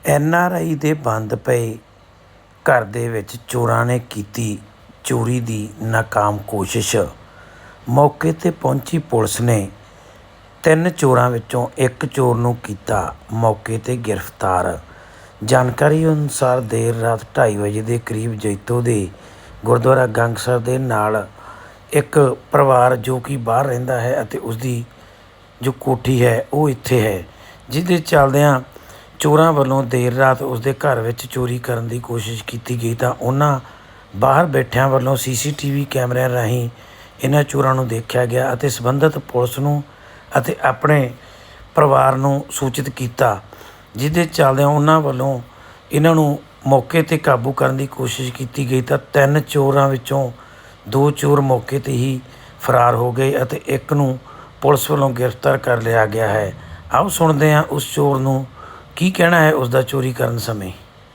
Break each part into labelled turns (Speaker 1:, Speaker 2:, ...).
Speaker 1: NRI ਦੇ ਬੰਦ ਪਏ ਘਰ ਦੇ ਵਿੱਚ ਚੋਰਾਂ ਨੇ ਕੀਤੀ ਚੋਰੀ ਦੀ ਨਾਕਾਮ ਕੋਸ਼ਿਸ਼। ਮੌਕੇ 'ਤੇ ਪਹੁੰਚੀ ਪੁਲਿਸ ਨੇ 3 ਚੋਰਾਂ ਵਿੱਚੋਂ ਇੱਕ ਚੋਰ ਨੂੰ ਕੀਤਾ ਮੌਕੇ 'ਤੇ ਗ੍ਰਿਫਤਾਰ। ਜਾਣਕਾਰੀ ਅਨੁਸਾਰ ਦੇਰ ਰਾਤ 2:30 ਵਜੇ ਦੇ ਕਰੀਬ ਜੈਤੋ ਦੇ ਗੁਰਦੁਆਰਾ ਗੰਗਸਰ ਦੇ ਨਾਲ ਇੱਕ ਪਰਿਵਾਰ ਜੋ ਕਿ ਬਾਹਰ ਰਹਿੰਦਾ ਹੈ ਅਤੇ ਉਸਦੀ ਜੋ ਕੋਠੀ ਹੈ ਉਹ ਇੱਥੇ ਹੈ, ਜਿਹਦੇ ਚੱਲਦਿਆਂ ਚੋਰਾਂ ਵੱਲੋਂ ਦੇਰ ਰਾਤ ਉਸਦੇ ਘਰ ਵਿੱਚ ਚੋਰੀ ਕਰਨ ਦੀ ਕੋਸ਼ਿਸ਼ ਕੀਤੀ ਗਈ ਤਾਂ ਉਹਨਾਂ ਬਾਹਰ ਬੈਠਿਆਂ ਵੱਲੋਂ CCTV ਕੈਮਰਿਆਂ ਰਾਹੀਂ ਇਹਨਾਂ ਚੋਰਾਂ ਨੂੰ ਦੇਖਿਆ ਗਿਆ ਅਤੇ ਸੰਬੰਧਿਤ ਪੁਲਿਸ ਨੂੰ ਅਤੇ ਆਪਣੇ ਪਰਿਵਾਰ ਨੂੰ ਸੂਚਿਤ ਕੀਤਾ, ਜਿਹਦੇ ਚੱਲਦਿਆਂ ਉਹਨਾਂ ਵੱਲੋਂ ਇਹਨਾਂ ਨੂੰ ਮੌਕੇ 'ਤੇ ਕਾਬੂ ਕਰਨ ਦੀ ਕੋਸ਼ਿਸ਼ ਕੀਤੀ ਗਈ ਤਾਂ 3 ਚੋਰਾਂ ਵਿੱਚੋਂ 2 ਚੋਰ ਮੌਕੇ 'ਤੇ ਹੀ ਫਰਾਰ ਹੋ ਗਏ ਅਤੇ ਇੱਕ ਨੂੰ ਪੁਲਿਸ ਵੱਲੋਂ ਗ੍ਰਿਫਤਾਰ ਕਰ ਲਿਆ ਗਿਆ ਹੈ। ਆਓ ਸੁਣਦੇ ਹਾਂ ਉਸ ਚੋਰ ਨੂੰ ਕੀ ਕਹਿਣਾ ਹੈ ਉਸ ਦਾ ਚੋਰੀ ਕਰਨ ਸਮੇਂ।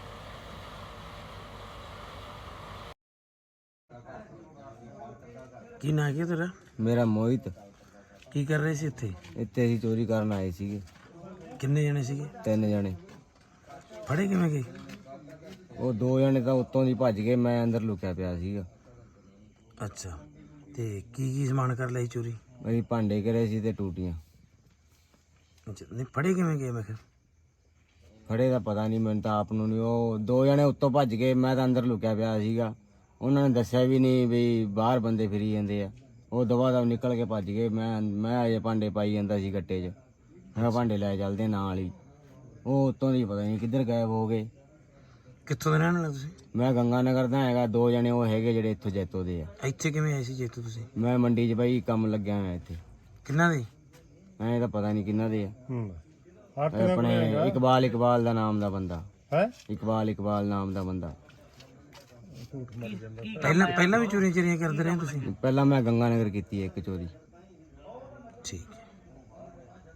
Speaker 1: ਕੀ ਨਾਂ ਕੀ ਤੇਰਾ?
Speaker 2: ਮੇਰਾ ਮੋਹਿਤ।
Speaker 1: ਕੀ ਕਰ ਰਹੇ ਸੀ ਇੱਥੇ?
Speaker 2: ਇੱਥੇ ਅਸੀਂ ਚੋਰੀ ਕਰਨ ਆਏ ਸੀਗੇ।
Speaker 1: ਕਿੰਨੇ ਜਣੇ ਸੀਗੇ?
Speaker 2: 3 ਜਣੇ।
Speaker 1: ਫੜੇ ਕਿਵੇਂ ਗਏ?
Speaker 2: ਉਹ 2 ਜਣੇ ਤਾਂ ਉੱਤੋਂ ਦੀ ਭੱਜ ਗਏ, ਮੈਂ ਅੰਦਰ ਲੁਕਿਆ ਪਿਆ ਸੀਗਾ।
Speaker 1: ਅੱਛਾ, ਤੇ ਕੀ ਸਮਾਨ ਕਰ ਲਈ ਚੋਰੀ?
Speaker 2: ਅਸੀਂ ਭਾਂਡੇ ਕਰੇ ਸੀ ਤੇ ਟੂਟੀਆਂ।
Speaker 1: ਅੱਛਾ, ਨਹੀਂ ਫੜੇ ਕਿਵੇਂ ਗਏ? ਮੈਂ ਕਿਹਾ
Speaker 2: ਫੜੇ ਦਾ ਪਤਾ ਨਹੀਂ ਮੈਨੂੰ ਤਾਂ ਆਪ ਨੂੰ ਨਹੀਂ। ਉਹ 2 ਜਣੇ ਉੱਤੋਂ ਭੱਜ ਗਏ, ਮੈਂ ਤਾਂ ਅੰਦਰ ਲੁਕਿਆ ਪਿਆ ਸੀਗਾ। ਉਹਨਾਂ ਨੇ ਦੱਸਿਆ ਵੀ ਨਹੀਂ ਵੀ ਬਾਹਰ ਬੰਦੇ ਫਿਰੀ ਜਾਂਦੇ ਆ। ਉਹ ਦਵਾ ਦਵ ਨਿਕਲ ਕੇ ਭੱਜ ਗਏ। ਮੈਂ ਅਜੇ ਭਾਂਡੇ ਪਾਈ ਜਾਂਦਾ ਸੀ ਗੱਟੇ 'ਚ। ਮੈਂ ਕਿਹਾ ਭਾਂਡੇ ਲੈ ਚੱਲਦੇ ਨਾਲ ਹੀ। ਉਹ ਉੱਤੋਂ ਦੀ ਪਤਾ ਨਹੀਂ ਕਿੱਧਰ ਗਾਇਬ ਹੋ ਗਏ।
Speaker 1: ਕਿੱਥੋਂ ਦੇ ਰਹਿਣ ਵਾਲੇ ਤੁਸੀਂ?
Speaker 2: ਮੈਂ ਗੰਗਾ ਨਗਰ ਦਾ ਹੈਗਾ। 2 ਜਣੇ ਉਹ ਹੈਗੇ ਜਿਹੜੇ ਇੱਥੋਂ ਜੈਤੋ ਦੇ ਆ।
Speaker 1: ਇੱਥੇ ਕਿਵੇਂ ਆਏ ਸੀ ਜੇਤੂ ਤੁਸੀਂ?
Speaker 2: ਮੈਂ ਮੰਡੀ 'ਚ ਬਾਈ ਕੰਮ ਲੱਗਿਆ ਹੋਇਆ ਇੱਥੇ।
Speaker 1: ਕਿੰਨਾ ਦੇ?
Speaker 2: ਐਂ ਤਾਂ ਪਤਾ ਨਹੀਂ ਕਿੰਨਾ ਦੇ ਆ। ਆਪਣੇ ਇਕਬਾਲ ਦਾ ਨਾਮ ਦਾ ਬੰਦਾ ਹੈ। ਇਕਬਾਲ ਨਾਮ ਦਾ ਬੰਦਾ।
Speaker 1: ਪਹਿਲਾਂ ਵੀ ਚੋਰੀਆਂ ਕਰਦੇ ਰਹੇ ਤੁਸੀਂ?
Speaker 2: ਪਹਿਲਾਂ ਮੈਂ ਗੰਗਾ ਨਗਰ ਕੀਤੀ ਹੈ ਇੱਕ ਚੋਰੀ।
Speaker 1: ਠੀਕ।